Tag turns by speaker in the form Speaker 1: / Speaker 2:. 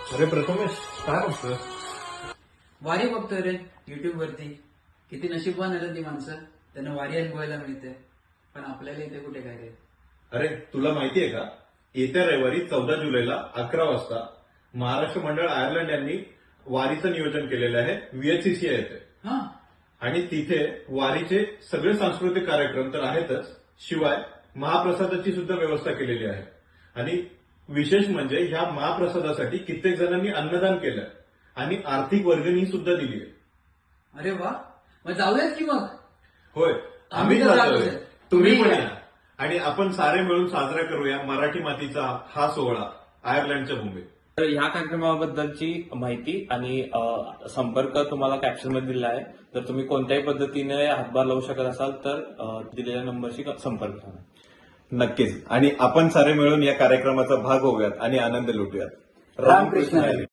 Speaker 1: अरे प्रथमेश, काय बघतोय?
Speaker 2: वारी बघतोय रे युट्यूब वरती. किती नशीबवान आहेत ती माणसं, त्यांना वारी अनुभवायला मिळते. पण आपल्याला इथे कुठे काय रे.
Speaker 1: अरे तुला माहितीये का, येत्या रविवारी 14 जुलैला 11 वाजता महाराष्ट्र मंडळ आयर्लंड यांनी वारीचं नियोजन केलेलं आहे. VHCC येथे
Speaker 2: हा,
Speaker 1: आणि तिथे वारीचे सगळे सांस्कृतिक कार्यक्रम तर आहेतच, शिवाय महाप्रसादाची सुद्धा व्यवस्था केलेली आहे. आणि विशेष म्हणजे ह्या महाप्रसादासाठी कित्येक जणांनी अन्नदान केलं आणि आर्थिक वर्गणी सुद्धा दिली आहे.
Speaker 2: अरे वा, मग जाऊयात की मग.
Speaker 1: होय,
Speaker 2: आम्ही
Speaker 1: आम्ही
Speaker 2: तर
Speaker 1: जातोय,
Speaker 2: जातोय.
Speaker 1: तुम्ही पण
Speaker 2: तुम्ही
Speaker 1: या आणि आपण सारे मिळून साजरा करूया मराठी मातीचा हा सोहळा आयर्लंडच्या मुंबईत.
Speaker 3: तर ह्या कार्यक्रमाबद्दलची माहिती आणि संपर्क तुम्हाला कॅप्शनमध्ये दिला आहे. तर तुम्ही कोणत्याही पद्धतीने हातभार लावू शकत असाल तर दिलेल्या नंबरशी संपर्क करा.
Speaker 1: नक्कीच, आणि आपण सारे मिळून या कार्यक्रमाचा भाग होऊयात आणि आनंद लुटूयात.
Speaker 2: रामकृष्ण हरी.